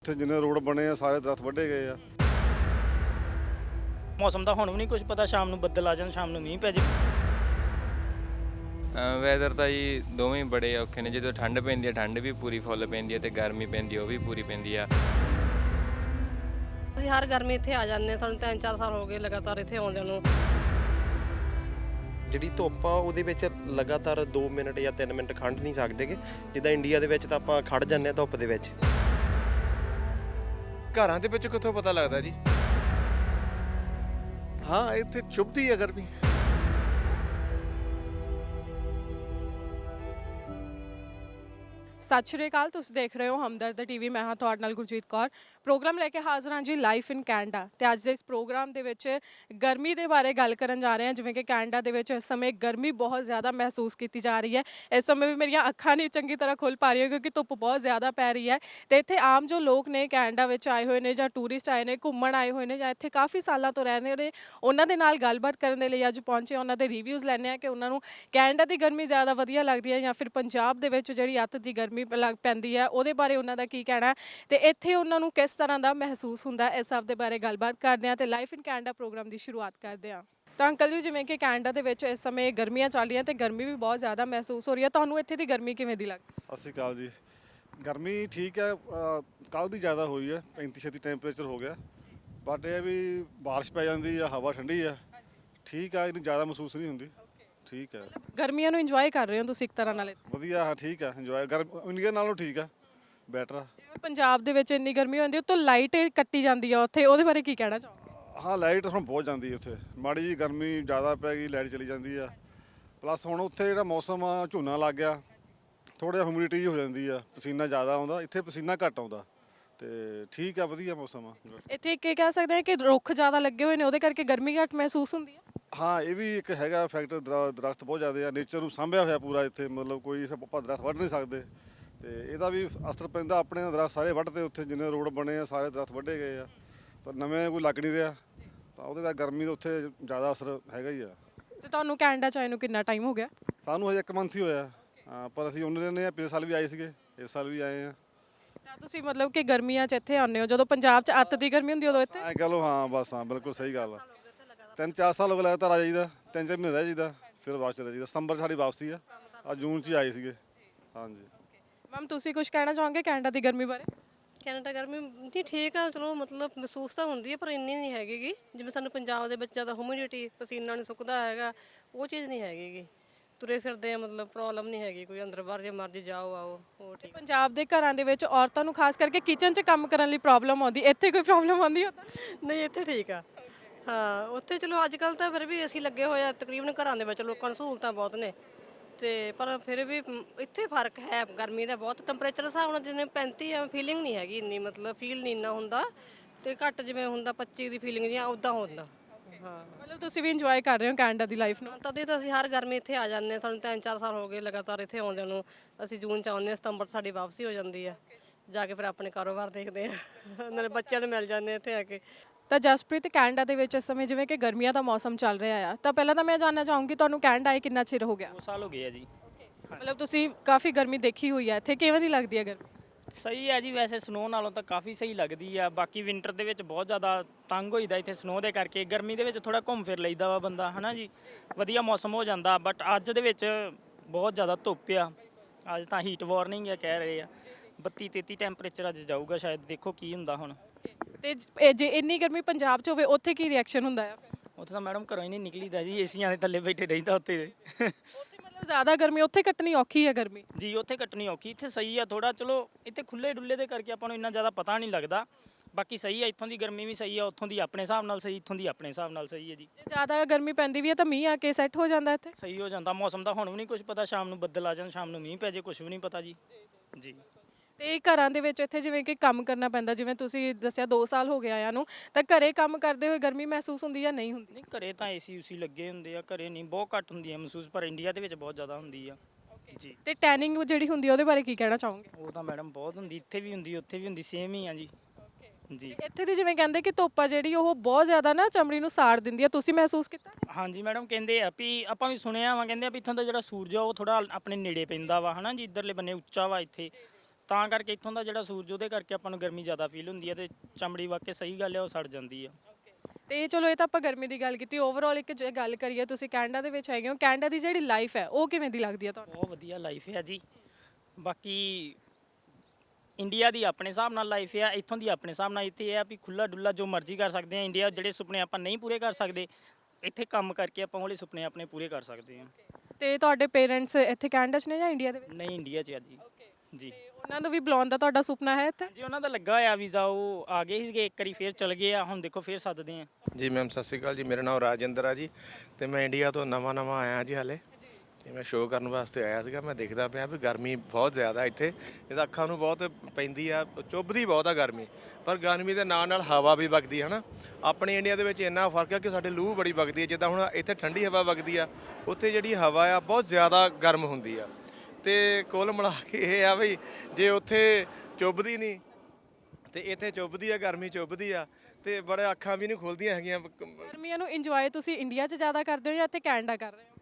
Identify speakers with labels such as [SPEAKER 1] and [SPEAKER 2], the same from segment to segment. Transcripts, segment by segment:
[SPEAKER 1] ਇੱਥੇ ਜਿੰਨੇ ਰੋਡ ਬਣੇ ਆ ਸਾਰੇ ਦਰਖਤ ਵੱਢੇ ਗਏ ਆ।
[SPEAKER 2] ਮੌਸਮ ਦਾ ਹੁਣ ਵੀ ਨਹੀਂ ਕੁਝ ਪਤਾ, ਸ਼ਾਮ ਨੂੰ ਬੱਦਲ ਆ ਜਾਣ, ਸ਼ਾਮ ਨੂੰ ਮੀਂਹ ਪੈ ਜੇ।
[SPEAKER 3] ਵੈਦਰ ਤਾਂ ਜੀ ਦੋਵੇਂ ਬੜੇ ਔਖੇ ਨੇ। ਜਦੋਂ ਠੰਡ ਪੈਂਦੀ ਹੈ ਠੰਡ ਵੀ ਪੂਰੀ ਫੁੱਲ ਪੈਂਦੀ ਹੈ ਤੇ ਗਰਮੀ ਪੈਂਦੀ ਉਹ ਵੀ ਪੂਰੀ ਪੈਂਦੀ ਆ।
[SPEAKER 4] ਅਸੀਂ ਹਰ ਗਰਮੀ ਇੱਥੇ ਆ ਜਾਂਦੇ ਹਾਂ, ਸਾਨੂੰ 3-4 ਸਾਲ ਹੋ ਗਏ ਲਗਾਤਾਰ ਇੱਥੇ ਆਉਂਦੇ ਨੂੰ।
[SPEAKER 5] ਜਿਹੜੀ ਧੁੱਪ ਆ ਉਹਦੇ ਵਿੱਚ ਲਗਾਤਾਰ 2 ਮਿੰਟ ਜਾਂ 3 ਮਿੰਟ ਖੜ੍ਹ ਨਹੀਂ ਸਕਦੇਗੇ, ਜਿੱਦਾਂ ਇੰਡੀਆ ਦੇ ਵਿੱਚ ਤਾਂ ਆਪਾਂ ਖੜ ਜਾਂਦੇ ਹਾਂ ਧੁੱਪ ਦੇ ਵਿੱਚ।
[SPEAKER 6] ਘਰਾਂ ਦੇ ਵਿੱਚ ਕਿੱਥੋਂ ਪਤਾ ਲੱਗਦਾ ਜੀ? ਹਾਂ, ਇੱਥੇ ਚੁੱਭਦੀ ਹੈ ਗਰਮੀ।
[SPEAKER 7] ਸਤਿ ਸ਼੍ਰੀ ਅਕਾਲ, ਤੁਸੀਂ ਦੇਖ ਰਹੇ ਹੋ ਹਮਦਰਦ ਟੀਵੀ। ਮੈਂ ਹਾਂ ਤੁਹਾਡੇ ਨਾਲ ਗੁਰਜੀਤ ਕੌਰ। ਪ੍ਰੋਗਰਾਮ ਲੈ ਕੇ ਹਾਜ਼ਰ ਹਾਂ ਜੀ ਲਾਈਫ ਇਨ ਕੈਨੇਡਾ। ਤੇ ਅੱਜ ਦੇ ਇਸ ਪ੍ਰੋਗਰਾਮ ਦੇ ਵਿੱਚ ਗਰਮੀ ਦੇ ਬਾਰੇ ਗੱਲ ਕਰਨ ਜਾ ਰਹੇ ਹਾਂ। ਜਿਵੇਂ ਕਿ ਕੈਨੇਡਾ ਦੇ ਵਿੱਚ ਇਸ ਸਮੇਂ ਗਰਮੀ ਬਹੁਤ ਜ਼ਿਆਦਾ ਮਹਿਸੂਸ ਕੀਤੀ ਜਾ ਰਹੀ ਹੈ। ਇਸ ਸਮੇਂ ਵੀ ਮੇਰੀਆਂ ਅੱਖਾਂ ਨਹੀਂ ਚੰਗੀ ਤਰ੍ਹਾਂ ਖੁੱਲ੍ਹ ਪਾ ਰਹੀਆਂ ਕਿਉਂਕਿ ਧੁੱਪ ਬਹੁਤ ਜ਼ਿਆਦਾ ਪੈ ਰਹੀ ਹੈ। ਤੇ ਇੱਥੇ ਆਮ ਜੋ ਲੋਕ ਨੇ ਕੈਨੇਡਾ ਵਿੱਚ ਆਏ ਹੋਏ ਨੇ ਜਾਂ ਟੂਰਿਸਟ ਆਏ ਨੇ, ਘੁੰਮਣ ਆਏ ਹੋਏ ਨੇ ਜਾਂ ਇੱਥੇ ਕਾਫੀ ਸਾਲਾਂ ਤੋਂ ਰਹਿ ਰਹੇ ਨੇ, ਉਹਨਾਂ ਦੇ ਨਾਲ ਗੱਲਬਾਤ ਕਰਨ ਦੇ ਲਈ ਅੱਜ ਪਹੁੰਚੇ। ਉਹਨਾਂ ਦੇ ਰਿਵਿਊਜ਼ ਲੈਣੇ ਆ ਕਿ ਉਹਨਾਂ ਨੂੰ ਕੈਨੇਡਾ ਦੀ ਗਰਮੀ ਜ਼ਿਆਦਾ ਵਧੀਆ ਲੱਗਦੀ ਹੈ ਜਾਂ ਫਿਰ ਪੰਜਾਬ ਦੇ ਵਿੱਚ ਜਿਹੜੀ ਅੱਤ ਦੀ ਗਰਮੀ ਪੈਂਦੀ ਹੈ ਉਹਦੇ ਬਾਰੇ ਉਹਨਾਂ ਦਾ ਕੀ ਕਹਿਣਾ ਤੇ ਇੱਥੇ ਉਹਨਾਂ ਨੂੰ ਕਿਸ ਤਰ੍ਹਾਂ ਦਾ ਮਹਿਸੂਸ ਹੁੰਦਾ, ਇਸ ਸਭ ਦੇ ਬਾਰੇ ਗੱਲਬਾਤ ਕਰਦੇ ਹਾਂ ਤੇ ਲਾਈਫ ਇਨ ਕੈਨੇਡਾ ਪ੍ਰੋਗਰਾਮ ਦੀ ਸ਼ੁਰੂਆਤ ਕਰਦੇ ਹਾਂ। ਤਾਂ ਅੰਕਲ ਜੀ, ਜਿਵੇਂ ਕਿ ਕੈਨੇਡਾ ਦੇ ਵਿੱਚ ਇਸ ਸਮੇਂ ਗਰਮੀਆਂ ਚੱਲ ਰਹੀਆਂ ਤੇ ਗਰਮੀ ਵੀ ਬਹੁਤ ਜ਼ਿਆਦਾ ਮਹਿਸੂਸ ਹੋ ਰਹੀ ਹੈ, ਤੁਹਾਨੂੰ ਇੱਥੇ ਦੀ ਗਰਮੀ ਕਿਵੇਂ ਦੀ ਲੱਗਦੀ?
[SPEAKER 1] ਸਤਿ ਸ਼੍ਰੀ ਅਕਾਲ ਜੀ। ਗਰਮੀ ਠੀਕ ਹੈ, ਕੱਲ੍ਹ ਦੀ ਜ਼ਿਆਦਾ ਹੋਈ ਹੈ, 35-36 ਟੈਂਪਰੇਚਰ ਹੋ ਗਿਆ। ਬਟ ਇਹ ਵੀ ਬਾਰਿਸ਼ ਪੈ ਜਾਂਦੀ ਆ, ਹਵਾ ਠੰਡੀ ਆ, ਠੀਕ ਆ, ਇਹਨੂੰ ਜ਼ਿਆਦਾ ਮਹਿਸੂਸ ਨਹੀਂ ਹੁੰਦੀ। ਠੀਕ ਹੈ,
[SPEAKER 7] ਗਰਮੀਆਂ ਨੂੰ ਇੰਜੋਏ ਕਰ ਰਹੇ ਹੋ ਤੁਸੀਂ ਇੱਕ ਤਰ੍ਹਾਂ ਨਾਲ?
[SPEAKER 1] ਵਧੀਆ, ਹਾਂ ਠੀਕ ਆ, ਇੰਜੋਏ ਇੰਡੀਆ ਨਾਲੋਂ ਠੀਕ ਆ, ਬੈਟਰ ਆ।
[SPEAKER 7] ਜਿਵੇਂ ਪੰਜਾਬ ਦੇ ਵਿੱਚ ਇੰਨੀ ਗਰਮੀ ਹੁੰਦੀ ਉੱਤੋਂ ਲਾਈਟ ਕੱਟੀ ਜਾਂਦੀ ਆ ਉੱਥੇ, ਉਹਦੇ ਬਾਰੇ ਕੀ ਕਹਿਣਾ ਚਾਹੋਗੇ?
[SPEAKER 1] ਹਾਂ, ਲਾਈਟ ਹੁਣ ਬਹੁਤ ਜਾਂਦੀ ਉੱਥੇ, ਮਾੜੀ ਜੀ ਗਰਮੀ ਜ਼ਿਆਦਾ ਪੈ ਗਈ ਲਾਈਟ ਚਲੀ ਜਾਂਦੀ ਆ। ਪਲੱਸ ਹੁਣ ਉੱਥੇ ਜਿਹੜਾ ਮੌਸਮ ਆ, ਝੋਨਾ ਲੱਗ ਗਿਆ, ਥੋੜ੍ਹਾ ਜਿਹਾ ਹਿਊਮਿਡਿਟੀ ਹੋ ਜਾਂਦੀ ਆ, ਪਸੀਨਾ ਜ਼ਿਆਦਾ ਆਉਂਦਾ, ਇੱਥੇ ਪਸੀਨਾ ਘੱਟ ਆਉਂਦਾ ਤੇ ਠੀਕ ਆ, ਵਧੀਆ ਮੌਸਮ ਆ।
[SPEAKER 7] ਇੱਥੇ ਇੱਕ ਇਹ ਕਹਿ ਸਕਦੇ ਹਾਂ ਕਿ ਰੁੱਖ ਜ਼ਿਆਦਾ ਲੱਗੇ ਹੋਏ ਨੇ, ਉਹਦੇ ਕਰਕੇ ਗਰਮੀ ਘੱਟ ਮਹਿਸੂਸ ਹੁੰਦੀ ਹੈ।
[SPEAKER 1] ਹਾਂ, ਇਹ ਵੀ ਇੱਕ ਹੈਗਾ ਫੈਕਟਰ, ਦਰਖਤ ਬਹੁਤ ਜ਼ਿਆਦਾ ਆ, ਨੇਚਰ ਨੂੰ ਸਾਂਭਿਆ ਹੋਇਆ ਪੂਰਾ ਇੱਥੇ, ਮਤਲਬ ਕੋਈ ਆਪਾਂ ਦਰਖਤ ਵੱਢ ਨਹੀਂ ਸਕਦੇ ਤੇ ਇਹਦਾ ਵੀ ਅਸਰ ਪੈਂਦਾ। ਆਪਣੇ ਦਰਖਤ ਸਾਰੇ ਵੱਢਦੇ, ਉੱਥੇ ਜਿੰਨੇ ਰੋਡ ਬਣੇ ਆ ਸਾਰੇ ਦਰਖਤ ਵੱਢੇ ਗਏ ਆ, ਪਰ ਨਵੇਂ ਕੋਈ ਲੱਗ ਨਹੀਂ ਰਿਹਾ, ਤਾਂ ਉਹਦੇ ਕਰਕੇ ਗਰਮੀ ਦਾ ਉੱਥੇ ਜ਼ਿਆਦਾ ਅਸਰ ਹੈਗਾ ਹੀ ਆ।
[SPEAKER 7] ਤੇ ਤੁਹਾਨੂੰ ਕੈਨੇਡਾ 'ਚ ਆਏ ਨੂੰ ਕਿੰਨਾ ਟਾਈਮ ਹੋ ਗਿਆ?
[SPEAKER 1] ਸਾਨੂੰ ਹਜੇ 1 ਮੰਥ ਹੀ ਹੋਇਆ, ਪਰ ਅਸੀਂ ਉਹਨੇ ਰਹਿੰਦੇ ਆ। ਪਿਛਲੇ ਸਾਲ ਵੀ ਆਏ ਸੀਗੇ, ਇਸ ਸਾਲ ਵੀ ਆਏ ਆ।
[SPEAKER 7] ਤਾਂ ਤੁਸੀਂ ਮਤਲਬ ਕਿ ਗਰਮੀਆਂ 'ਚ ਇੱਥੇ ਆਉਂਦੇ ਹੋ, ਜਦੋਂ ਪੰਜਾਬ 'ਚ ਅੱਤ ਦੀ ਗਰਮੀ ਹੁੰਦੀ ਉਦੋਂ ਇੱਥੇ?
[SPEAKER 1] ਐਂ ਕਹ ਲਓ, ਹਾਂ ਬਸ, ਹਾਂ ਬਿਲਕੁਲ ਸਹੀ ਗੱਲ ਆ। 3-4 ਸਾਲ ਹੋ ਗਏ ਲਗਾਤਾਰ ਆ ਜਾਈਦਾ, 3-4 ਮਹੀਨੇ ਰਹਿ ਜਾਈਦਾ, ਫਿਰ ਵਾਪਸ ਚਲੇ ਜਾਈਦਾ। ਸਤੰਬਰ 'ਚ ਸਾਡੀ ਵਾਪਸੀ ਆ, ਆ ਜੂਨ 'ਚ ਹੀ ਆਏ ਸੀਗੇ। ਹਾਂਜੀ
[SPEAKER 7] ਮੈਮ, ਤੁਸੀਂ ਕੁਝ ਕਹਿਣਾ ਚਾਹੋਗੇ ਕੈਨੇਡਾ ਦੀ ਗਰਮੀ ਬਾਰੇ?
[SPEAKER 4] ਕੈਨੇਡਾ ਗਰਮੀ ਨਹੀਂ ਠੀਕ ਆ, ਚਲੋ ਮਤਲਬ ਮਹਿਸੂਸ ਤਾਂ ਹੁੰਦੀ ਹੈ ਪਰ ਇੰਨੀ ਨਹੀਂ ਹੈਗੀਗੀ ਜਿਵੇਂ ਸਾਨੂੰ ਪੰਜਾਬ ਦੇ ਵਿੱਚ ਜ਼ਿਆਦਾ ਹਿਊਮਿਡਿਟੀ, ਪਸੀਨਾ ਨਹੀਂ ਸੁੱਕਦਾ ਹੈਗਾ, ਉਹ ਚੀਜ਼ ਨਹੀਂ ਹੈਗੀਗੀ। ਤੁਰੇ ਫਿਰਦੇ ਆ, ਮਤਲਬ ਪ੍ਰੋਬਲਮ ਨਹੀਂ ਹੈਗੀ ਕੋਈ, ਅੰਦਰ ਬਾਹਰ ਜੇ ਮਰਜ਼ੀ ਜਾਓ ਆਓ, ਉਹ ਠੀਕ।
[SPEAKER 7] ਪੰਜਾਬ ਦੇ ਘਰਾਂ ਦੇ ਵਿੱਚ ਔਰਤਾਂ ਨੂੰ ਖਾਸ ਕਰਕੇ ਕਿਚਨ 'ਚ ਕੰਮ ਕਰਨ ਲਈ ਪ੍ਰੋਬਲਮ ਆਉਂਦੀ, ਇੱਥੇ ਕੋਈ ਪ੍ਰੋਬਲਮ ਆਉਂਦੀ ਹੈ?
[SPEAKER 4] ਨਹੀਂ, ਇੱਥੇ ਠੀਕ ਆ। ਹਾਂ, ਉੱਥੇ ਚਲੋ ਅੱਜ ਕੱਲ੍ਹ ਤਾਂ ਫਿਰ ਵੀ ਅਸੀਂ ਲੱਗੇ ਹੋਏ ਆ ਤਕਰੀਬਨ ਘਰਾਂ ਦੇ ਵਿੱਚ, ਲੋਕਾਂ ਨੂੰ ਸਹੂਲਤਾਂ ਬਹੁਤ ਨੇ ਤੇ ਪਰ ਫਿਰ ਵੀ ਇੱਥੇ ਫਰਕ ਹੈ ਗਰਮੀ ਦਾ ਬਹੁਤ। ਟੈਂਪਰੇਚਰ ਹਿਸਾਬ ਨਾਲ ਜਿਵੇਂ 35 ਆ, ਫੀਲਿੰਗ ਨਹੀਂ ਹੈਗੀ ਇੰਨੀ, ਮਤਲਬ ਫੀਲ ਨਹੀਂ ਇੰਨਾ ਹੁੰਦਾ ਤੇ ਘੱਟ ਜਿਵੇਂ ਹੁੰਦਾ 25 ਦੀ ਫੀਲਿੰਗ ਜਿਹਾ ਉੱਦਾਂ ਹੁੰਦਾ। ਹਾਂ,
[SPEAKER 7] ਮਤਲਬ ਤੁਸੀਂ ਵੀ ਇੰਜੋਏ ਕਰ ਰਹੇ ਹੋ ਕੈਨੇਡਾ ਦੀ ਲਾਈਫ ਨੂੰ?
[SPEAKER 4] ਤਦੇ ਤਾਂ ਅਸੀਂ ਹਰ ਗਰਮੀ ਇੱਥੇ ਆ ਜਾਂਦੇ ਹਾਂ, ਸਾਨੂੰ 3-4 ਸਾਲ ਹੋ ਗਏ ਲਗਾਤਾਰ ਇੱਥੇ ਆਉਂਦੇ ਨੂੰ। ਅਸੀਂ ਜੂਨ 'ਚ ਆਉਂਦੇ ਹਾਂ, ਸਤੰਬਰ 'ਚ ਸਾਡੀ ਵਾਪਸੀ ਹੋ ਜਾਂਦੀ ਆ, ਜਾ ਕੇ ਫਿਰ ਆਪਣੇ ਕਾਰੋਬਾਰ ਦੇਖਦੇ ਆ, ਨਾਲੇ ਬੱਚਿਆਂ ਨੂੰ ਮਿਲ ਜਾਂਦੇ ਇੱਥੇ ਆ ਕੇ।
[SPEAKER 7] ਤਾਂ ਜਸਪ੍ਰੀਤ, ਕੈਨੇਡਾ ਦੇ ਵਿੱਚ ਇਸ ਸਮੇਂ ਜਿਵੇਂ ਕਿ ਗਰਮੀਆਂ ਦਾ ਮੌਸਮ ਚੱਲ ਰਿਹਾ ਆ, ਤਾਂ ਪਹਿਲਾਂ ਤਾਂ ਮੈਂ ਜਾਣਨਾ ਚਾਹੂੰਗੀ ਤੁਹਾਨੂੰ ਕੈਨੇਡਾ ਆਏ ਕਿੰਨਾ ਚਿਰ ਹੋ ਗਿਆ?
[SPEAKER 2] 2 ਸਾਲ ਹੋ ਗਏ ਆ ਜੀ।
[SPEAKER 7] ਮਤਲਬ ਤੁਸੀਂ ਕਾਫੀ ਗਰਮੀ ਦੇਖੀ ਹੋਈ ਹੈ ਇੱਥੇ, ਕਿਵੇਂ ਦੀ ਲੱਗਦੀ ਹੈ ਗਰਮੀ?
[SPEAKER 2] ਸਹੀ ਹੈ ਜੀ, ਵੈਸੇ ਸਨੋ ਨਾਲੋਂ ਤਾਂ ਕਾਫੀ ਸਹੀ ਲੱਗਦੀ ਆ। ਬਾਕੀ ਵਿੰਟਰ ਦੇ ਵਿੱਚ ਬਹੁਤ ਜ਼ਿਆਦਾ ਤੰਗ ਹੋਈਦਾ ਇੱਥੇ ਸਨੋ ਦੇ ਕਰਕੇ। ਗਰਮੀ ਦੇ ਵਿੱਚ ਥੋੜਾ ਘੁੰਮ ਫਿਰ ਲਈਦਾ ਵਾ ਬੰਦਾ, ਹਨਾ ਜੀ, ਵਧੀਆ ਮੌਸਮ ਹੋ ਜਾਂਦਾ। ਬਟ ਅੱਜ ਦੇ ਵਿੱਚ ਬਹੁਤ ਜ਼ਿਆਦਾ ਧੁੱਪ ਆ, ਅੱਜ ਤਾਂ ਹੀਟ ਵਾਰਨਿੰਗ ਆ ਕਹਿ ਰਹੇ ਆ, 32-33 ਟੈਂਪਰੇਚਰ ਅੱਜ ਜਾਊਗਾ ਸ਼ਾਇਦ, ਦੇਖੋ ਕੀ ਹੁੰਦਾ ਹੁਣ।
[SPEAKER 7] ਤੇ ਜੇ ਇੰਨੀ ਗਰਮੀ ਪੰਜਾਬ 'ਚ ਹੋਵੇ ਉੱਥੇ ਕੀ ਰਿਐਕਸ਼ਨ ਹੁੰਦਾ ਆ?
[SPEAKER 2] ਉੱਥੇ ਤਾਂ ਮੈਡਮ ਘਰੋਂ ਹੀ ਨਹੀਂ ਨਿਕਲੀਦਾ ਜੀ, ਏਸੀਆਂ ਦੇ ਥੱਲੇ ਬੈਠੇ ਰਹੀਦਾ ਉੱਥੇ।
[SPEAKER 7] ਉੱਥੇ ਮਤਲਬ ਜ਼ਿਆਦਾ ਗਰਮੀ ਉੱਥੇ ਕੱਟਣੀ ਔਖੀ ਹੈ ਗਰਮੀ?
[SPEAKER 2] ਜੀ, ਉੱਥੇ ਕੱਟਣੀ ਔਖੀ, ਇੱਥੇ ਸਹੀ ਆ ਥੋੜਾ। ਚਲੋ ਇੱਥੇ ਖੁੱਲੇ ਡੁੱਲੇ ਦੇ ਕਰਕੇ ਆਪਾਂ ਨੂੰ ਇੰਨਾ ਜ਼ਿਆਦਾ ਪਤਾ ਨਹੀਂ ਲੱਗਦਾ, ਬਾਕੀ ਸਹੀ ਆ। ਇੱਥੋਂ ਦੀ ਗਰਮੀ ਵੀ ਸਹੀ ਆ, ਉੱਥੋਂ ਦੀ ਆਪਣੇ ਹਿਸਾਬ ਨਾਲ ਸਹੀ, ਇੱਥੋਂ ਦੀ ਆਪਣੇ ਹਿਸਾਬ ਨਾਲ ਸਹੀ ਹੈ ਜੀ।
[SPEAKER 7] ਜੇ ਜ਼ਿਆਦਾ ਗਰਮੀ ਪੈਂਦੀ ਵੀ ਹੈ ਤਾਂ ਮੀਂਹ ਆ ਕੇ ਸੈੱਟ ਹੋ ਜਾਂਦਾ ਇੱਥੇ?
[SPEAKER 2] ਸਹੀ ਹੋ ਜਾਂਦਾ, ਮੌਸਮ ਦਾ ਹੁਣ ਵੀ ਨਹੀਂ ਕੁਝ ਪਤਾ, ਸ਼ਾਮ ਨੂੰ ਬੱਦਲ ਆ ਜਾਣ, ਸ਼ਾਮ ਨੂੰ ਮੀਂਹ ਪੈ ਜੇ, ਕੁਝ ਵੀ ਨਹੀਂ ਪਤਾ ਜੀ। ਜੀ,
[SPEAKER 7] ਤੇ ਘਰਾਂ ਦੇ ਵਿੱਚ ਇੱਥੇ ਜਿਵੇਂ ਕਿ ਕੰਮ ਕਰਨਾ ਪੈਂਦਾ, ਜਿਵੇਂ ਤੁਸੀਂ ਦੱਸਿਆ 2 ਸਾਲ ਹੋ ਗਏ ਆਇਆਂ ਨੂੰ, ਤਾਂ ਘਰੇ ਕੰਮ ਕਰਦੇ ਹੋਏ ਗਰਮੀ ਮਹਿਸੂਸ ਹੁੰਦੀ ਜਾਂ ਨਹੀਂ ਹੁੰਦੀ?
[SPEAKER 2] ਨਹੀਂ, ਘਰੇ ਤਾਂ ਏਸੀ ਉਸੀ ਲੱਗੇ ਹੁੰਦੇ ਆ, ਘਰੇ ਨਹੀਂ, ਬਹੁਤ ਘੱਟ ਹੁੰਦੀ ਹੈ ਮਹਿਸੂਸ, ਪਰ ਇੰਡੀਆ ਦੇ ਵਿੱਚ ਬਹੁਤ ਜ਼ਿਆਦਾ ਹੁੰਦੀ ਆ ਜੀ।
[SPEAKER 7] ਤੇ ਟੈਨਿੰਗ ਜਿਹੜੀ ਹੁੰਦੀ ਉਹਦੇ ਬਾਰੇ ਕੀ ਕਹਿਣਾ ਚਾਹੋਗੇ?
[SPEAKER 2] ਉਹ ਤਾਂ ਮੈਡਮ ਬਹੁਤ ਹੁੰਦੀ, ਇੱਥੇ ਵੀ ਹੁੰਦੀ ਉੱਥੇ ਵੀ ਹੁੰਦੀ, ਸੇਮ ਹੀ ਆ ਜੀ। ਜੀ,
[SPEAKER 7] ਇੱਥੇ ਦੀ ਜਿਵੇਂ ਕਹਿੰਦੇ ਕਿ ਧੁੱਪ ਆ ਜਿਹੜੀ ਉਹ ਬਹੁਤ ਜ਼ਿਆਦਾ ਨਾ ਚਮੜੀ ਨੂੰ ਸਾੜ ਦਿੰਦੀ ਆ, ਤੁਸੀਂ ਮਹਿਸੂਸ ਕੀਤਾ?
[SPEAKER 2] ਹਾਂਜੀ ਮੈਡਮ, ਕਹਿੰਦੇ ਆ ਵੀ, ਆਪਾਂ ਵੀ ਸੁਣਿਆ ਵਾ, ਕਹਿੰਦੇ ਆ ਵੀ ਇੱਥੋਂ ਦਾ ਜਿਹੜਾ ਸੂਰਜ ਆ ਉਹ ਥੋੜਾ ਆਪਣੇ ਨੇੜੇ ਪੈਂਦਾ ਵਾ, ਹਨਾ ਜੀ, ਇੱਧਰਲੇ ਬੰਨੇ ਉੱਚਾ ਵਾ ਇੱਥੇ, ਤਾਂ ਕਰਕੇ ਇੱਥੋਂ ਦਾ ਜਿਹੜਾ ਸੂਰਜ ਉਹਦੇ ਕਰਕੇ ਆਪਾਂ ਨੂੰ ਗਰਮੀ ਜ਼ਿਆਦਾ ਫੀਲ ਹੁੰਦੀ ਹੈ ਤੇ ਚਮੜੀ ਵਾਕੇ ਸਹੀ ਗੱਲ ਹੈ ਉਹ ਸੜ ਜਾਂਦੀ ਆ।
[SPEAKER 7] ਤੇ ਚਲੋ ਇਹ ਤਾਂ ਆਪਾਂ ਗਰਮੀ ਦੀ ਗੱਲ ਕੀਤੀ, ਓਵਰਆਲ ਇੱਕ ਜੇ ਗੱਲ ਕਰੀਏ ਤੁਸੀਂ ਕੈਨੇਡਾ ਦੇ ਵਿੱਚ ਹੈਗੇ ਹੋ, ਕੈਨੇਡਾ ਦੀ ਜਿਹੜੀ ਲਾਈਫ ਹੈ ਉਹ ਕਿਵੇਂ ਦੀ ਲੱਗਦੀ ਹੈ ਤੁਹਾਨੂੰ?
[SPEAKER 2] ਬਹੁਤ ਵਧੀਆ ਲਾਈਫ ਹੈ ਜੀ। ਬਾਕੀ ਇੰਡੀਆ ਦੀ ਆਪਣੇ ਹਿਸਾਬ ਨਾਲ ਲਾਈਫ ਹੈ, ਇੱਥੋਂ ਦੀ ਆਪਣੇ ਹਿਸਾਬ ਨਾਲ। ਇੱਥੇ ਇਹ ਆ ਵੀ ਖੁੱਲਾ ਡੁੱਲਾ ਜੋ ਮਰਜ਼ੀ ਕਰ ਸਕਦੇ ਆ। ਇੰਡੀਆ ਜਿਹੜੇ ਸੁਪਨੇ ਆਪਾਂ ਨਹੀਂ ਪੂਰੇ ਕਰ ਸਕਦੇ, ਇੱਥੇ ਕੰਮ ਕਰਕੇ ਆਪਾਂ ਉਹ ਵਾਲੇ ਸੁਪਨੇ ਆਪਣੇ ਪੂਰੇ ਕਰ ਸਕਦੇ ਹਾਂ।
[SPEAKER 7] ਤੇ ਤੁਹਾਡੇ ਪੇਰੈਂਟਸ ਇੱਥੇ ਕੈਨੇਡਾ 'ਚ ਨੇ ਜਾਂ ਇੰਡੀਆ ਦੇ ਵਿੱਚ?
[SPEAKER 2] ਨਹੀਂ, ਇੰਡੀਆ 'ਚ ਆ ਜੀ। ਜੀ
[SPEAKER 7] ਤੇ ਉਹਨਾਂ ਨੂੰ ਵੀ ਬੁਲਾਉਣ ਦਾ ਤੁਹਾਡਾ ਸੁਪਨਾ ਹੈ ਇੱਥੇ?
[SPEAKER 2] ਜੀ ਉਹਨਾਂ ਦਾ ਲੱਗਾ ਹੋਇਆ ਵੀਜ਼ਾ, ਉਹ ਆ ਗਏ ਸੀਗੇ ਇੱਕ ਵਾਰੀ, ਫੇਰ ਚਲ ਗਏ ਆ। ਹੁਣ ਦੇਖੋ ਫੇਰ ਸੱਦਦੇ ਆ।
[SPEAKER 5] ਜੀ ਮੈਮ ਸਤਿ ਸ਼੍ਰੀ ਅਕਾਲ ਜੀ, ਮੇਰਾ ਨਾਮ ਰਾਜਿੰਦਰ ਆ ਜੀ ਤੇ ਮੈਂ ਇੰਡੀਆ ਤੋਂ ਨਵਾਂ ਆਇਆ ਜੀ ਹਾਲੇ ਤੇ ਮੈਂ ਸ਼ੋਅ ਕਰਨ ਵਾਸਤੇ ਆਇਆ ਸੀਗਾ। ਮੈਂ ਦੇਖਦਾ ਪਿਆ ਵੀ ਗਰਮੀ ਬਹੁਤ ਜ਼ਿਆਦਾ ਇੱਥੇ, ਇਹਦਾ ਅੱਖਾਂ ਨੂੰ ਬਹੁਤ ਪੈਂਦੀ ਆ, ਚੁੱਭਦੀ ਬਹੁਤ ਆ ਗਰਮੀ। ਪਰ ਗਰਮੀ ਦੇ ਨਾਲ ਨਾਲ ਹਵਾ ਵੀ ਵਗਦੀ ਹੈ ਨਾ। ਆਪਣੇ ਇੰਡੀਆ ਦੇ ਵਿੱਚ ਇੰਨਾ ਫਰਕ ਹੈ ਕਿ ਸਾਡੇ ਲੂ ਬੜੀ ਵਗਦੀ ਹੈ। ਜਿੱਦਾਂ ਹੁਣ ਇੱਥੇ ਠੰਡੀ ਹਵਾ ਵਗਦੀ ਆ, ਉੱਥੇ ਜਿਹੜੀ ਹਵਾ ਆ ਬਹੁਤ ਜ਼ਿਆਦਾ ਗਰਮ ਹੁੰਦੀ ਆ। ਤੇ ਕੁੱਲ ਮਿਲਾ ਕੇ ਇਹ ਆ ਵੀ ਜੇ ਉੱਥੇ ਚੁੱਭਦੀ ਨਹੀਂ ਤੇ ਇੱਥੇ ਚੁੱਭਦੀ ਆ, ਗਰਮੀ ਚੁੱਭਦੀ ਆ ਤੇ ਬੜੇ ਅੱਖਾਂ ਵੀ ਨਹੀਂ ਖੁੱਲਦੀਆਂ ਹੈਗੀਆਂ।
[SPEAKER 7] ਗਰਮੀਆਂ ਨੂੰ ਇੰਜੋਏ ਤੁਸੀਂ ਇੰਡੀਆ 'ਚ ਜ਼ਿਆਦਾ ਕਰਦੇ ਹੋ ਜਾਂ ਇੱਥੇ ਕੈਨੇਡਾ ਕਰ ਰਹੇ ਹੋ?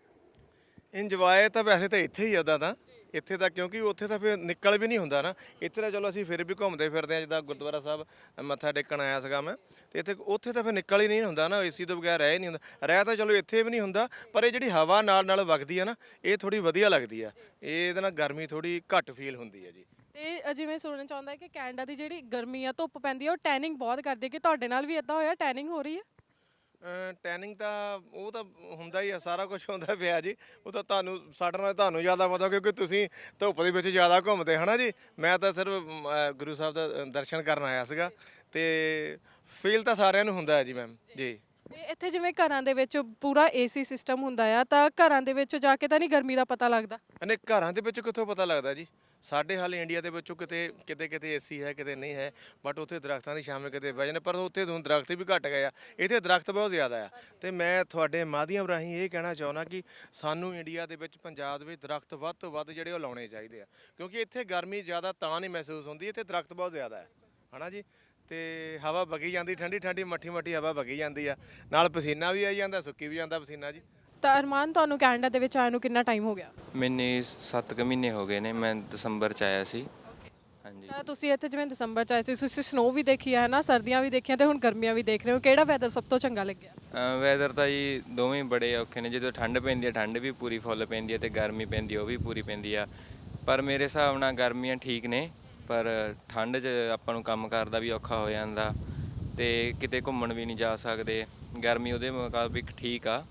[SPEAKER 5] ਇੰਜੋਏ ਤਾਂ ਵੈਸੇ ਤਾਂ ਇੱਥੇ ਹੀ ਆ, ਉੱਦਾਂ ਤਾਂ ਇੱਥੇ ਤਾਂ, ਕਿਉਂਕਿ ਉੱਥੇ ਤਾਂ ਫਿਰ ਨਿਕਲ ਵੀ ਨਹੀਂ ਹੁੰਦਾ ਨਾ। ਇੱਥੇ ਤਾਂ ਚਲੋ ਅਸੀਂ ਫਿਰ ਵੀ ਘੁੰਮਦੇ ਫਿਰਦੇ ਆ, ਜਿੱਦਾਂ ਗੁਰਦੁਆਰਾ ਸਾਹਿਬ ਮੱਥਾ ਟੇਕਣ ਆਇਆ ਸੀਗਾ ਮੈਂ, ਤੇ ਇੱਥੇ ਉੱਥੇ ਤਾਂ ਫਿਰ ਨਿਕਲ ਹੀ ਨਹੀਂ ਹੁੰਦਾ ਨਾ, ਏਸੀ ਤੋਂ ਬਗੈਰ ਰਹਿ ਹੀ ਨਹੀਂ ਹੁੰਦਾ। ਰਹਿ ਤਾਂ ਚਲੋ ਇੱਥੇ ਵੀ ਨਹੀਂ ਹੁੰਦਾ, ਪਰ ਇਹ ਜਿਹੜੀ ਹਵਾ ਨਾਲ ਨਾਲ ਵਗਦੀ ਆ ਨਾ, ਇਹ ਥੋੜੀ ਵਧੀਆ ਲੱਗਦੀ ਆ। ਇਹਦੇ ਨਾਲ ਗਰਮੀ ਥੋੜੀ ਘੱਟ ਫੀਲ ਹੁੰਦੀ ਹੈ ਜੀ।
[SPEAKER 7] ਤੇ ਜਿਵੇਂ ਸੁਣਨ ਚ ਆਉਂਦਾ ਹੈ ਕਿ ਕੈਨੇਡਾ ਦੀ ਜਿਹੜੀ ਗਰਮੀ ਆ, ਧੁੱਪ ਪੈਂਦੀ ਆ, ਉਹ ਟੈਨਿੰਗ ਬਹੁਤ ਕਰਦੀ ਹੈ। ਕਿ ਤੁਹਾਡੇ ਨਾਲ ਵੀ ਇਦਾਂ ਹੋਇਆ, ਟੈਨਿੰਗ ਹੋ ਰਹੀ ਹੈ?
[SPEAKER 5] ਟੈਨਿੰਗ ਤਾਂ ਉਹ ਤਾਂ ਹੁੰਦਾ ਹੀ ਆ, ਸਾਰਾ ਕੁਝ ਹੁੰਦਾ ਪਿਆ ਜੀ। ਉਹ ਤਾਂ ਸਾਡੇ ਨਾਲ ਤੁਹਾਨੂੰ ਜ਼ਿਆਦਾ ਪਤਾ, ਕਿਉਂਕਿ ਤੁਸੀਂ ਧੁੱਪ ਦੇ ਵਿੱਚ ਜ਼ਿਆਦਾ ਘੁੰਮਦੇ ਹਨਾ ਜੀ। ਮੈਂ ਤਾਂ ਸਿਰਫ ਗੁਰੂ ਸਾਹਿਬ ਦਾ ਦਰਸ਼ਨ ਕਰਨ ਆਇਆ ਸੀਗਾ ਤੇ ਫੀਲ ਤਾਂ ਸਾਰਿਆਂ ਨੂੰ ਹੁੰਦਾ ਹੈ ਜੀ ਮੈਮ ਜੀ।
[SPEAKER 7] ਤੇ ਇੱਥੇ ਜਿਵੇਂ ਘਰਾਂ ਦੇ ਵਿੱਚ ਪੂਰਾ ਏਸੀ ਸਿਸਟਮ ਹੁੰਦਾ ਆ, ਤਾਂ ਘਰਾਂ ਦੇ ਵਿੱਚ ਜਾ ਕੇ ਤਾਂ ਨਹੀਂ ਗਰਮੀ ਦਾ ਪਤਾ ਲੱਗਦਾ?
[SPEAKER 5] ਨਹੀਂ, ਘਰਾਂ ਦੇ ਵਿੱਚ ਕਿੱਥੋਂ ਪਤਾ ਲੱਗਦਾ ਜੀ। ਸਾਡੇ ਹਾਲੇ ਇੰਡੀਆ ਦੇ ਵਿੱਚੋਂ ਕਿਤੇ ਏਸੀ ਹੈ, ਕਿਤੇ ਨਹੀਂ ਹੈ, ਬਟ ਉੱਥੇ ਦਰਖਤਾਂ ਦੀ ਛਾਵੇਂ ਕਿਤੇ ਬਹਿ ਜਾਂਦੇ। ਪਰ ਉੱਥੇ ਤੁਹਾਨੂੰ ਦਰਖਤ ਵੀ ਘੱਟ ਗਏ ਆ, ਇੱਥੇ ਦਰਖਤ ਬਹੁਤ ਜ਼ਿਆਦਾ ਆ। ਤੇ ਮੈਂ ਤੁਹਾਡੇ ਮਾਧਿਅਮ ਰਾਹੀਂ ਇਹ ਕਹਿਣਾ ਚਾਹੁੰਦਾ ਕਿ ਸਾਨੂੰ ਇੰਡੀਆ ਦੇ ਵਿੱਚ, ਪੰਜਾਬ ਦੇ ਵਿੱਚ ਦਰਖਤ ਵੱਧ ਤੋਂ ਵੱਧ ਜਿਹੜੇ ਉਹ ਲਾਉਣੇ ਚਾਹੀਦੇ ਆ, ਕਿਉਂਕਿ ਇੱਥੇ ਗਰਮੀ ਜ਼ਿਆਦਾ ਤਾਂ ਨਹੀਂ ਮਹਿਸੂਸ ਹੁੰਦੀ, ਇੱਥੇ ਦਰਖਤ ਬਹੁਤ ਜ਼ਿਆਦਾ ਹੈ ਹਨਾ ਜੀ। ਤੇ ਹਵਾ ਵਗੀ ਜਾਂਦੀ, ਠੰਡੀ ਠੰਡੀ ਮੱਠੀ ਮੱਠੀ ਹਵਾ ਵਗੀ ਜਾਂਦੀ ਆ, ਨਾਲ ਪਸੀਨਾ ਵੀ ਆਈ ਜਾਂਦਾ, ਸੁੱਕੀ ਵੀ ਜਾਂਦਾ ਪਸੀਨਾ ਜੀ।
[SPEAKER 7] ਤਾਂ ਅਰਮਾਨ, ਤੁਹਾਨੂੰ ਕੈਨੇਡਾ ਦੇ ਵਿੱਚ ਆਏ ਨੂੰ ਕਿੰਨਾ ਟਾਈਮ ਹੋ ਗਿਆ?
[SPEAKER 3] ਮੈਨੂੰ 7 ਕੁ ਮਹੀਨੇ ਹੋ ਗਏ ਨੇ, ਮੈਂ ਦਸੰਬਰ ਚ ਆਇਆ ਸੀ। ਹਾਂਜੀ।
[SPEAKER 7] ਤਾਂ ਤੁਸੀਂ ਇੱਥੇ ਜਿਵੇਂ ਦਸੰਬਰ ਚ ਆਏ ਸੀ, ਤੁਸੀਂ ਸਨੋ ਵੀ ਦੇਖੀ ਹੈ ਨਾ, ਸਰਦੀਆਂ ਵੀ ਦੇਖੀਆਂ ਤੇ ਹੁਣ ਗਰਮੀਆਂ ਵੀ ਦੇਖ ਰਹੇ ਹੋ। ਕਿਹੜਾ ਵੈਦਰ ਸਭ ਤੋਂ ਚੰਗਾ ਲੱਗਿਆ?
[SPEAKER 3] ਵੈਦਰ ਤਾਂ ਜੀ ਦੋਵੇਂ ਬੜੇ ਔਖੇ ਨੇ। ਜਦੋਂ ਠੰਡ ਪੈਂਦੀ ਹੈ, ਠੰਡ ਵੀ ਪੂਰੀ ਫੁੱਲ ਪੈਂਦੀ ਹੈ, ਤੇ ਗਰਮੀ ਪੈਂਦੀ ਉਹ ਵੀ ਪੂਰੀ ਪੈਂਦੀ ਆ। ਪਰ ਮੇਰੇ ਹਿਸਾਬ ਨਾਲ ਗਰਮੀਆਂ ਠੀਕ ਨੇ, ਪਰ ਠੰਡ 'ਚ ਆਪਾਂ ਨੂੰ ਕੰਮ ਕਰਦਾ ਵੀ ਔਖਾ ਹੋ ਜਾਂਦਾ ਤੇ ਕਿਤੇ ਘੁੰਮਣ ਵੀ ਨਹੀਂ ਜਾ ਸਕਦੇ। ਗਰਮੀ ਉਹਦੇ ਮੁਤਾਬਿਕ ਠੀਕ ਆ,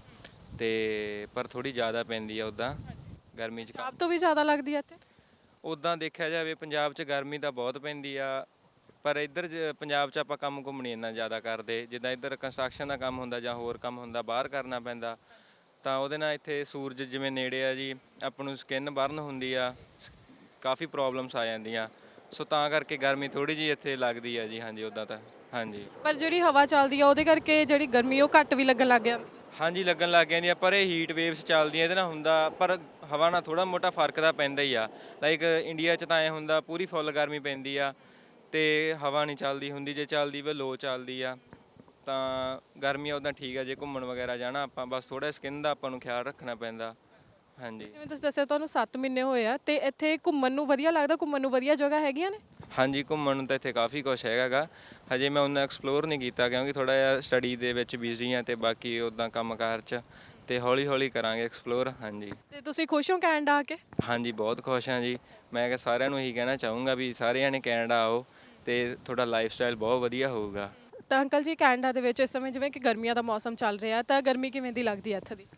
[SPEAKER 3] ਤੇ ਪਰ ਥੋੜੀ ਜ਼ਿਆਦਾ ਪੈਂਦੀ ਆ ਉੱਦਾਂ ਗਰਮੀ 'ਚ।
[SPEAKER 7] ਆਪ ਤੋਂ ਵੀ ਜ਼ਿਆਦਾ ਲੱਗਦੀ ਹੈ ਇੱਥੇ?
[SPEAKER 3] ਉੱਦਾਂ ਦੇਖਿਆ ਜਾਵੇ ਪੰਜਾਬ 'ਚ ਗਰਮੀ ਤਾਂ ਬਹੁਤ ਪੈਂਦੀ ਆ, ਪਰ ਇੱਧਰ ਪੰਜਾਬ 'ਚ ਆਪਾਂ ਕੰਮ ਘੁੰਮ ਨਹੀਂ ਇੰਨਾ ਜ਼ਿਆਦਾ ਕਰਦੇ। ਜਿੱਦਾਂ ਇੱਧਰ ਕੰਸਟਰਕਸ਼ਨ ਦਾ ਕੰਮ ਹੁੰਦਾ ਜਾਂ ਹੋਰ ਕੰਮ ਹੁੰਦਾ, ਬਾਹਰ ਕਰਨਾ ਪੈਂਦਾ, ਤਾਂ ਉਹਦੇ ਨਾਲ ਇੱਥੇ ਸੂਰਜ ਜਿਵੇਂ ਨੇੜੇ ਆ ਜੀ, ਆਪਾਂ ਨੂੰ ਸਕਿਨ ਬਰਨ ਹੁੰਦੀ ਆ, ਕਾਫੀ ਪ੍ਰੋਬਲਮਸ ਆ ਜਾਂਦੀਆਂ। ਸੋ ਤਾਂ ਕਰਕੇ ਗਰਮੀ ਥੋੜੀ ਜਿਹੀ ਇੱਥੇ ਲੱਗਦੀ ਆ ਜੀ। ਹਾਂਜੀ, ਉੱਦਾਂ ਤਾਂ ਹਾਂਜੀ।
[SPEAKER 7] ਪਰ ਜਿਹੜੀ ਹਵਾ ਚੱਲਦੀ ਆ ਉਹਦੇ ਕਰਕੇ ਜਿਹੜੀ ਗਰਮੀ ਉਹ ਘੱਟ ਵੀ ਲੱਗਣ ਲੱਗ ਗਿਆ?
[SPEAKER 3] ਹਾਂਜੀ, ਲੱਗਣ ਲੱਗ ਜਾਂਦੀਆਂ, ਪਰ ਇਹ ਹੀਟ ਵੇਵਸ ਚੱਲਦੀਆਂ ਇਹਦੇ ਨਾਲ ਹੁੰਦਾ, ਪਰ ਹਵਾ ਨਾਲ ਥੋੜਾ ਮੋਟਾ ਫਰਕ ਤਾਂ ਪੈਂਦਾ ਹੀ ਆ। ਲਾਈਕ ਇੰਡੀਆ 'ਚ ਤਾਂ ਐ ਹੁੰਦਾ ਪੂਰੀ ਫੁੱਲ ਗਰਮੀ ਪੈਂਦੀ ਆ ਤੇ ਹਵਾ ਨਹੀਂ ਚੱਲਦੀ ਹੁੰਦੀ, ਜੇ ਚੱਲਦੀ ਵੀ ਲੋ ਚੱਲਦੀ ਆ। ਤਾਂ ਗਰਮੀਆਂ ਉੱਦਾਂ ਠੀਕ ਆ, ਜੇ ਘੁੰਮਣ ਵਗੈਰਾ ਜਾਣਾ ਆਪਾਂ, ਬਸ ਥੋੜਾ ਸਕਿਨ ਦਾ ਆਪਾਂ ਨੂੰ ਖਿਆਲ ਰੱਖਣਾ ਪੈਂਦਾ। ਹਾਂਜੀ।
[SPEAKER 7] ਜਿਵੇਂ ਤੁਸੀਂ ਦੱਸਿਆ ਤੁਹਾਨੂੰ 7 ਮਹੀਨੇ ਹੋਏ ਆ, ਤੇ ਇੱਥੇ ਘੁੰਮਣ ਨੂੰ ਵਧੀਆ ਲੱਗਦਾ? ਘੁੰਮਣ ਨੂੰ ਵਧੀਆ ਜਗ੍ਹਾ ਹੈਗੀਆਂ ਨੇ?
[SPEAKER 3] ਹਾਂਜੀ, ਘੁੰਮਣ ਨੂੰ ਤਾਂ ਇੱਥੇ ਕਾਫੀ ਕੁਛ ਹੈਗਾ ਗਾ। ਹਜੇ ਮੈਂ ਉਹਨਾਂ ਐਕਸਪਲੋਰ ਨਹੀਂ ਕੀਤਾ, ਕਿਉਂਕਿ ਥੋੜਾ ਜਿਹਾ ਸਟੱਡੀ ਦੇ ਵਿੱਚ ਬਿਜ਼ੀ ਆ ਤੇ ਬਾਕੀ ਉੱਦਾਂ ਕੰਮਕਾਰ 'ਚ, ਤੇ ਹੌਲੀ ਹੌਲੀ ਕਰਾਂਗੇ ਐਕਸਪਲੋਰ। ਹਾਂਜੀ।
[SPEAKER 7] ਤੇ ਤੁਸੀਂ ਖੁਸ਼ ਹੋ ਕੈਨੇਡਾ ਆ ਕੇ?
[SPEAKER 3] ਹਾਂਜੀ, ਬਹੁਤ ਖੁਸ਼ ਹਾਂ ਜੀ। ਮੈਂ ਕਿਹਾ ਸਾਰਿਆਂ ਨੂੰ ਇਹੀ ਕਹਿਣਾ ਚਾਹੂੰਗਾ ਵੀ ਸਾਰਿਆਂ ਨੇ ਕੈਨੇਡਾ ਆਓ ਤੇ ਤੁਹਾਡਾ ਲਾਈਫ ਸਟਾਈਲ ਬਹੁਤ ਵਧੀਆ ਹੋਊਗਾ।
[SPEAKER 7] ਤਾਂ ਅੰਕਲ ਜੀ, ਕੈਨੇਡਾ ਦੇ ਵਿੱਚ ਇਸ ਸਮੇਂ ਜਿਵੇਂ ਕਿ ਗਰਮੀਆਂ ਦਾ ਮੌਸਮ ਚੱਲ ਰਿਹਾ, ਤਾਂ ਗਰਮੀ ਕਿਵੇਂ ਦੀ ਲੱਗਦੀ ਹੈ ਇੱਥੇ ਦੀ?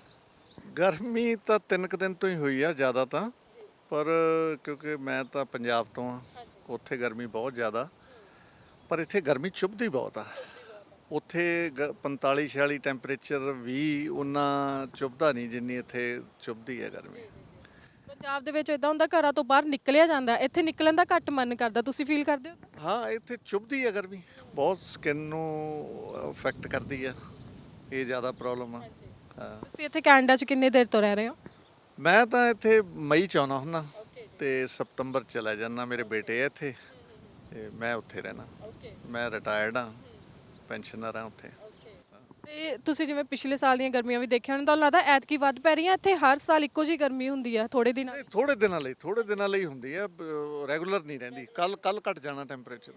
[SPEAKER 6] ਗਰਮੀ ਤਾਂ 3 ਕੁ ਦਿਨ ਤੋਂ ਹੀ ਹੋਈ ਆ ਜ਼ਿਆਦਾ ਤਾਂ, ਪਰ ਕਿਉਂਕਿ ਮੈਂ ਤਾਂ ਪੰਜਾਬ ਤੋਂ ਆ, ਉੱਥੇ ਗਰਮੀ ਬਹੁਤ ਜ਼ਿਆਦਾ, ਪਰ ਇੱਥੇ ਗਰਮੀ ਚੁੱਭਦੀ ਬਹੁਤ ਆ। ਉੱਥੇ 45 46 ਟੈਂਪਰੇਚਰ ਵੀ ਉਹਨਾਂ ਚੁੱਭਦਾ ਨਹੀਂ ਜਿੰਨੀ ਇੱਥੇ ਚੁੱਭਦੀ ਹੈ ਗਰਮੀ।
[SPEAKER 7] ਪੰਜਾਬ ਦੇ ਵਿੱਚ ਇਦਾਂ ਹੁੰਦਾ ਘਰਾਂ ਤੋਂ ਬਾਹਰ ਨਿਕਲਿਆ ਜਾਂਦਾ, ਇੱਥੇ ਨਿਕਲਣ ਦਾ ਘੱਟ ਮਨ ਕਰਦਾ, ਤੁਸੀਂ ਫੀਲ ਕਰਦੇ ਹੋ?
[SPEAKER 6] ਹਾਂ, ਇੱਥੇ ਚੁੱਭਦੀ ਹੈ ਗਰਮੀ ਬਹੁਤ, ਸਕਿਨ ਨੂੰ ਅਫੈਕਟ ਕਰਦੀ ਆ, ਇਹ ਜ਼ਿਆਦਾ ਪ੍ਰੋਬਲਮ ਆ। ਹਾਂ,
[SPEAKER 7] ਤੁਸੀਂ ਇੱਥੇ ਕੈਨੇਡਾ 'ਚ ਕਿੰਨੇ ਦੇਰ ਤੋਂ ਰਹਿ ਰਹੇ ਹੋ?
[SPEAKER 6] ਮੈਂ ਤਾਂ ਇੱਥੇ ਮਈ 'ਚ ਆਉਣਾ ਹੁੰਦਾ ਤੇ ਸਤੰਬਰ ਚਲਾ ਜਾਂਦਾ। ਮੇਰੇ ਬੇਟੇ ਆ ਇੱਥੇ ਤੇ ਮੈਂ ਉੱਥੇ ਰਹਿਣਾ। ਮੈਂ ਰਿਟਾਇਰਡ ਹਾਂ, ਪੈਨਸ਼ਨਰ ਹਾਂ ਉੱਥੇ।
[SPEAKER 7] ਤੇ ਤੁਸੀਂ ਜਿਵੇਂ ਪਿਛਲੇ ਸਾਲ ਦੀਆਂ ਗਰਮੀਆਂ ਵੀ ਦੇਖਿਆ ਹੋਣਾ, ਤੁਹਾਨੂੰ ਲੱਗਦਾ ਐਤਕੀ ਵੱਧ ਪੈ ਰਹੀਆਂ? ਇੱਥੇ ਹਰ ਸਾਲ ਇੱਕੋ ਜਿਹੀ ਗਰਮੀ ਹੁੰਦੀ ਆ ਥੋੜੇ ਦਿਨਾਂ?
[SPEAKER 6] ਨਹੀਂ, ਥੋੜੇ ਦਿਨਾਂ ਲਈ ਹੁੰਦੀ ਹੈ, ਰੈਗੂਲਰ ਨਹੀਂ ਰਹਿੰਦੀ। ਕੱਲ ਘਟ ਜਾਣਾ ਟੈਂਪਰੇਚਰ।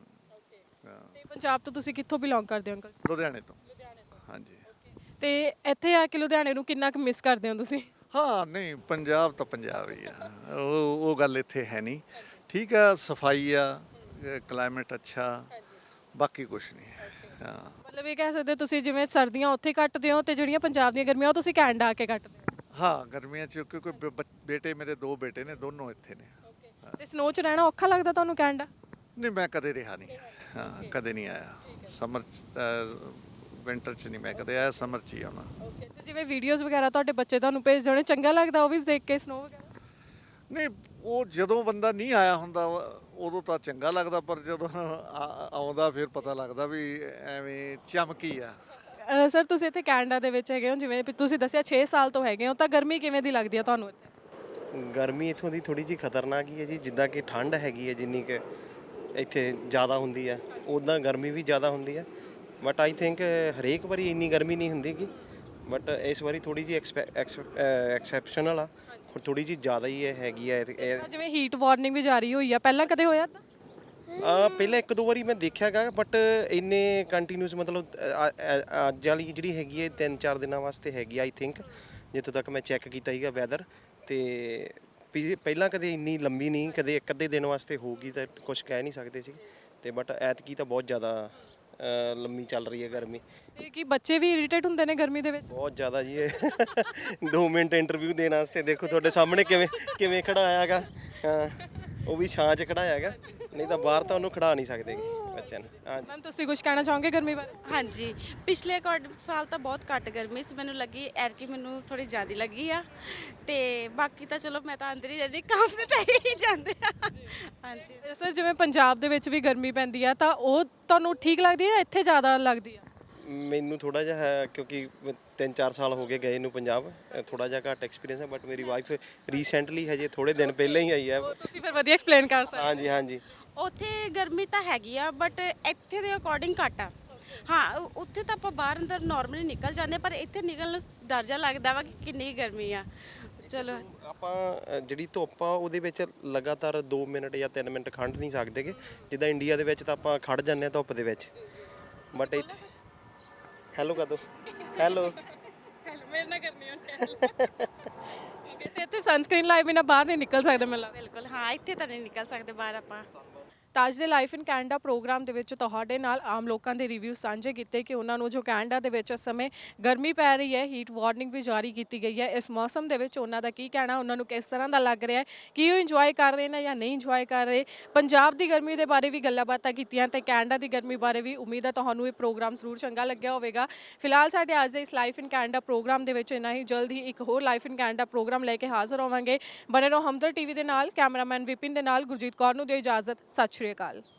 [SPEAKER 7] ਤੇ ਪੰਜਾਬ ਤੋਂ ਤੁਸੀਂ ਕਿੱਥੋਂ ਬਿਲੋਂਗ ਕਰਦੇ ਹੋ ਅੰਕਲ?
[SPEAKER 6] ਲੁਧਿਆਣੇ ਤੋਂ। ਹਾਂਜੀ।
[SPEAKER 7] ਤੇ ਇੱਥੇ ਆ ਕੇ ਲੁਧਿਆਣੇ ਨੂੰ ਕਿੰਨਾ ਕੁ ਮਿਸ ਕਰਦੇ ਹੋ ਤੁਸੀਂ?
[SPEAKER 6] ਹਾਂ, ਨਹੀਂ, ਪੰਜਾਬ ਤਾਂ ਪੰਜਾਬ ਹੀ ਆ, ਉਹ ਗੱਲ ਇੱਥੇ ਹੈ ਨਹੀਂ। ਠੀਕ ਆ, ਸਫਾਈ ਆ, ਕਲਾਈਮੇਟ ਅੱਛਾ, ਬਾਕੀ ਕੁਛ ਨਹੀਂ। ਹਾਂ,
[SPEAKER 7] ਮਤਲਬ ਇਹ ਕਹਿ ਸਕਦੇ ਹੋ ਤੁਸੀਂ ਜਿਵੇਂ ਸਰਦੀਆਂ ਉੱਥੇ ਕੱਟਦੇ ਹੋ ਤੇ ਜਿਹੜੀਆਂ ਪੰਜਾਬ ਦੀਆਂ ਗਰਮੀਆਂ ਉਹ ਤੁਸੀਂ ਕੈਨੇਡਾ ਆ ਕੇ ਕੱਟਦੇ ਹੋ?
[SPEAKER 6] ਹਾਂ, ਗਰਮੀਆਂ 'ਚ ਕਿਉਂਕਿ ਬੇਟੇ ਮੇਰੇ 2 ਬੇਟੇ ਨੇ, ਦੋਨੋਂ ਇੱਥੇ ਨੇ।
[SPEAKER 7] ਤੇ ਸਨੋ 'ਚ ਰਹਿਣਾ ਔਖਾ ਲੱਗਦਾ ਤੁਹਾਨੂੰ ਕੈਨੇਡਾ?
[SPEAKER 6] ਨਹੀਂ, ਮੈਂ ਕਦੇ ਰਿਹਾ ਨਹੀਂ। ਹਾਂ, ਕਦੇ ਨਹੀਂ ਆਇਆ। ਸਮਰ ਵਿੰਟਰ 'ਚ ਨਹੀਂ ਮੈਂ ਕਦੇ ਆਇਆ, ਸਮਰ 'ਚ ਹੀ ਆਉਣਾ।
[SPEAKER 7] ਓਕੇ। ਤੇ ਜਿਵੇਂ ਵੀਡੀਓਜ਼ ਵਗੈਰਾ ਤੁਹਾਡੇ ਬੱਚੇ ਤੁਹਾਨੂੰ ਭੇਜਦੇ ਹੋਣੇ, ਚੰਗਾ ਲੱਗਦਾ ਉਹ ਵੀ ਦੇਖ ਕੇ ਸਨੋ ਵਗੈਰਾ?
[SPEAKER 6] ਨਹੀਂ, ਉਹ ਜਦੋਂ ਬੰਦਾ ਨਹੀਂ ਆਇਆ ਹੁੰਦਾ ਉਦੋਂ ਤਾਂ ਚੰਗਾ ਲੱਗਦਾ, ਪਰ ਜਦੋਂ ਆਉਂਦਾ ਫਿਰ ਪਤਾ ਲੱਗਦਾ ਵੀ ਐਵੇਂ ਚਮਕੀ ਆ।
[SPEAKER 7] ਸਰ ਤੁਸੀਂ ਇੱਥੇ ਕੈਨੇਡਾ ਦੇ ਵਿੱਚ ਹੈਗੇ ਹੋ, ਜਿਵੇਂ ਵੀ ਤੁਸੀਂ ਦੱਸਿਆ 6 ਸਾਲ ਤੋਂ ਹੈਗੇ ਹੋ, ਤਾਂ ਗਰਮੀ ਕਿਵੇਂ ਦੀ ਲੱਗਦੀ ਆ ਤੁਹਾਨੂੰ ਇੱਥੇ?
[SPEAKER 8] ਗਰਮੀ ਇੱਥੋਂ ਦੀ ਥੋੜੀ ਜਿਹੀ ਖਤਰਨਾਕ ਹੀ ਹੈ ਜੀ। ਜਿੱਦਾਂ ਕਿ ਠੰਡ ਹੈਗੀ ਹੈ ਜਿੰਨੀ ਕਿ ਇੱਥੇ ਜ਼ਿਆਦਾ ਹੁੰਦੀ ਹੈ, ਉੱਦਾਂ ਗਰਮੀ ਵੀ ਜ਼ਿਆਦਾ ਹੁੰਦੀ ਹੈ। ਬਟ ਆਈ ਥਿੰਕ ਹਰੇਕ ਵਾਰੀ ਇੰਨੀ ਗਰਮੀ ਨਹੀਂ ਹੁੰਦੀ ਗੀ, ਬਟ ਇਸ ਵਾਰੀ ਥੋੜੀ ਜਿਹੀ ਐਕਸੈਪਸ਼ਨਲ ਆ, ਥੋੜੀ ਜਿਹੀ ਜ਼ਿਆਦਾ ਹੀ ਹੈਗੀ ਹੈ।
[SPEAKER 7] ਜਿਵੇਂ ਹੀਟ ਵਾਰਨਿੰਗ ਵੀ ਜਾਰੀ ਹੋਈ ਆ, ਪਹਿਲਾਂ ਕਦੇ ਹੋਇਆ ਤਾਂ?
[SPEAKER 8] ਪਹਿਲਾਂ 1-2 ਵਾਰੀ ਮੈਂ ਦੇਖਿਆ ਗਾ, ਬਟ ਇੰਨੇ ਕੰਟੀਨਿਊਸ ਮਤਲਬ ਅੱਜ ਵਾਲੀ ਜਿਹੜੀ ਹੈਗੀ ਹੈ 3-4 ਦਿਨਾਂ ਵਾਸਤੇ ਹੈਗੀ ਆਈ ਥਿੰਕ, ਜਿੱਥੋਂ ਤੱਕ ਮੈਂ ਚੈੱਕ ਕੀਤਾ ਸੀਗਾ ਵੈਦਰ। ਤੇ ਪਹਿਲਾਂ ਕਦੇ ਇੰਨੀ ਲੰਬੀ ਨਹੀਂ, ਕਦੇ ਇੱਕ ਅੱਧੇ ਦਿਨ ਵਾਸਤੇ ਹੋਊਗੀ ਤਾਂ ਕੁਝ ਕਹਿ ਨਹੀਂ ਸਕਦੇ ਸੀ। ਤੇ ਬਟ ਐਤਕੀ ਤਾਂ ਬਹੁਤ ਜ਼ਿਆਦਾ ਲੰਮੀ ਚੱਲ ਰਹੀ ਹੈ ਗਰਮੀ।
[SPEAKER 7] ਤੇ ਕੀ ਬੱਚੇ ਵੀ ਇਰੀਟੇਟ ਹੁੰਦੇ ਨੇ ਗਰਮੀ ਦੇ ਵਿੱਚ?
[SPEAKER 8] ਬਹੁਤ ਜ਼ਿਆਦਾ ਜੀ। ਇਹ 2 ਮਿੰਟ ਇੰਟਰਵਿਊ ਦੇਣ ਵਾਸਤੇ ਦੇਖੋ ਤੁਹਾਡੇ ਸਾਹਮਣੇ ਕਿਵੇਂ ਖੜਾਇਆ ਗਾ। ਹਾਂ, ਉਹ ਵੀ ਛਾਂ 'ਚ ਖੜਾਇਆ ਹੈਗਾ, ਨਹੀਂ ਤਾਂ ਬਾਹਰ ਤਾਂ ਉਹਨੂੰ ਖੜਾ ਨਹੀਂ ਸਕਦੇ ਬੱਚਿਆਂ ਨੂੰ। ਹਾਂ
[SPEAKER 7] ਮੈਮ ਤੁਸੀਂ ਕੁਝ ਕਹਿਣਾ ਚਾਹੋਗੇ ਗਰਮੀ ਬਾਰੇ?
[SPEAKER 9] ਹਾਂਜੀ, ਪਿਛਲੇ ਸਾਲ ਤਾਂ ਬਹੁਤ ਘੱਟ ਗਰਮੀ ਸੀ ਮੈਨੂੰ ਲੱਗੀ, ਐਰਕੀ ਮੈਨੂੰ ਥੋੜੀ ਜ਼ਿਆਦਾ ਲੱਗੀ ਆ। ਤੇ ਬਾਕੀ ਤਾਂ ਚਲੋ ਮੈਂ ਤਾਂ ਅੰਦਰ ਹੀ ਰਹਿੰਦੀ, ਕੰਮ ਤੇ ਤਾਂ ਹੀ ਜਾਂਦੇ ਆ। ਹਾਂਜੀ
[SPEAKER 7] ਸਰ ਜਿਵੇਂ ਪੰਜਾਬ ਦੇ ਵਿੱਚ ਵੀ ਗਰਮੀ ਪੈਂਦੀ ਆ, ਤਾਂ ਉਹ ਤੁਹਾਨੂੰ ਠੀਕ ਲੱਗਦੀ ਹੈ ਜਾਂ ਇੱਥੇ ਜ਼ਿਆਦਾ ਲੱਗਦੀ ਆ?
[SPEAKER 8] ਮੈਨੂੰ ਥੋੜਾ ਜਿਹਾ ਹੈ, ਕਿਉਂਕਿ 3-4 ਸਾਲ ਹੋ ਗਏ ਗਏ ਨੂੰ ਪੰਜਾਬ, ਥੋੜਾ ਜਿਹਾ ਘੱਟ ਐਕਸਪੀਰੀਅੰਸ ਹੈ। ਬਟ ਮੇਰੀ ਵਾਈਫ ਰੀਸੈਂਟਲੀ ਹਜੇ ਥੋੜੇ ਦਿਨ ਪਹਿਲਾਂ ਹੀ ਆਈ ਹੈ।
[SPEAKER 7] ਤੁਸੀਂ ਫਿਰ ਵਧੀਆ ਐਕਸਪਲੇਨ ਕਰ ਸਕਦੇ
[SPEAKER 8] ਹਾਂਜੀ ਹਾਂਜੀ।
[SPEAKER 9] ਉੱਥੇ ਗਰਮੀ ਤਾਂ ਹੈਗੀ ਆ, ਬਟ ਇੱਥੇ ਦੇ ਅਕੋਰਡਿੰਗ ਘੱਟ ਆ। ਹਾਂ, ਉੱਥੇ ਤਾਂ ਆਪਾਂ ਬਾਹਰ ਅੰਦਰ ਨਾਰਮਲੀ ਨਿਕਲ ਜਾਂਦੇ, ਪਰ ਇੱਥੇ ਨਿਕਲਣ ਨੂੰ ਡਰ ਜਿਹਾ ਲੱਗਦਾ ਵਾ ਕਿ ਕਿੰਨੀ ਗਰਮੀ ਆ। ਚਲੋ
[SPEAKER 8] ਆਪਾਂ ਜਿਹੜੀ ਧੁੱਪ ਆ ਉਹਦੇ ਵਿੱਚ ਲਗਾਤਾਰ 2 ਮਿੰਟ ਜਾਂ 3 ਮਿੰਟ ਖੜ੍ਹ ਨਹੀਂ ਸਕਦੇਗੇ, ਜਿੱਦਾਂ ਇੰਡੀਆ ਦੇ ਵਿੱਚ ਤਾਂ ਆਪਾਂ ਖੜ ਜਾਂਦੇ ਹਾਂ ਧੁੱਪ ਦੇ ਵਿੱਚ। ਬਟ ਇੱਥੇ ਹੈਲੋ ਕਰ ਦੋ, ਹੈਲੋ
[SPEAKER 7] ਮੇਰੇ ਨਾਲ ਕਰਨੀ ਹੁੰਦੀ ਓਕੇ। ਤੇ ਇੱਥੇ ਸਨਸਕ੍ਰੀਨ ਲਾਏ ਬਿਨਾ ਬਾਹਰ ਨਹੀਂ ਨਿਕਲ ਸਕਦੇ ਮੈਨੂੰ ਲੱਗਦਾ?
[SPEAKER 9] ਬਿਲਕੁਲ, ਹਾਂ, ਇੱਥੇ ਤਾਂ ਨਹੀਂ ਨਿਕਲ ਸਕਦੇ ਬਾਹਰ ਆਪਾਂ।
[SPEAKER 7] ਤਾਜ ਦੇ ਲਾਈਫ ਇਨ ਕੈਨੇਡਾ ਪ੍ਰੋਗਰਾਮ ਦੇ ਵਿੱਚ ਤੁਹਾਡੇ ਨਾਲ ਆਮ ਲੋਕਾਂ ਦੇ ਰਿਵਿਊ ਸਾਂਝੇ ਕੀਤੇ ਕਿ ਉਹਨਾਂ ਨੂੰ ਜੋ ਕੈਨੇਡਾ ਦੇ ਵਿੱਚ ਇਸ ਸਮੇਂ ਗਰਮੀ ਪੈ ਰਹੀ ਹੈ, ਹੀਟ ਵਾਰਨਿੰਗ ਵੀ ਜਾਰੀ ਕੀਤੀ ਗਈ ਹੈ, ਇਸ ਮੌਸਮ ਦੇ ਵਿੱਚ ਉਹਨਾਂ ਦਾ ਕੀ ਕਹਿਣਾ, ਉਹਨਾਂ ਨੂੰ ਕਿਸ ਤਰ੍ਹਾਂ ਦਾ ਲੱਗ ਰਿਹਾ ਹੈ, ਕੀ ਉਹ ਇੰਜੋਏ ਕਰ ਰਹੇ ਨੇ ਜਾਂ ਨਹੀਂ ਇੰਜੋਏ ਕਰ ਰਹੇ। ਪੰਜਾਬ ਦੀ ਗਰਮੀ ਦੇ ਬਾਰੇ ਵੀ ਗੱਲਾਂ ਬਾਤਾਂ ਕੀਤੀਆਂ ਤੇ ਕੈਨੇਡਾ ਦੀ ਗਰਮੀ ਬਾਰੇ ਵੀ। ਉਮੀਦ ਹੈ ਤੁਹਾਨੂੰ ਇਹ ਪ੍ਰੋਗਰਾਮ ਜ਼ਰੂਰ ਚੰਗਾ ਲੱਗਿਆ ਹੋਵੇਗਾ। ਫਿਲਹਾਲ ਸਾਡੇ ਅੱਜ ਦੇ ਇਸ ਲਾਈਫ ਇਨ ਕੈਨੇਡਾ ਪ੍ਰੋਗਰਾਮ ਦੇ ਵਿੱਚ ਇੰਨਾ ਹੀ। ਜਲਦ ਹੀ ਇੱਕ ਹੋਰ ਲਾਈਫ ਇਨ ਕੈਨੇਡਾ ਪ੍ਰੋਗਰਾਮ ਲੈ ਕੇ ਹਾਜ਼ਰ ਹੋਵਾਂਗੇ। ਬਣੇ ਰਹੋ ਹਮਦਰ ਟੀਵੀ ਦੇ ਨਾਲ। ਕੈਮਰਾਮੈਨ ਵਿਪਿਨ ਦੇ ਨਾਲ ਗੁਰਜੀਤ ਕੌਰ ਨੂੰ ਦਿਓ ਇਜਾਜ਼ਤ। ਸਤਿ ਸ਼੍ਰੀ ਅਕਾਲ।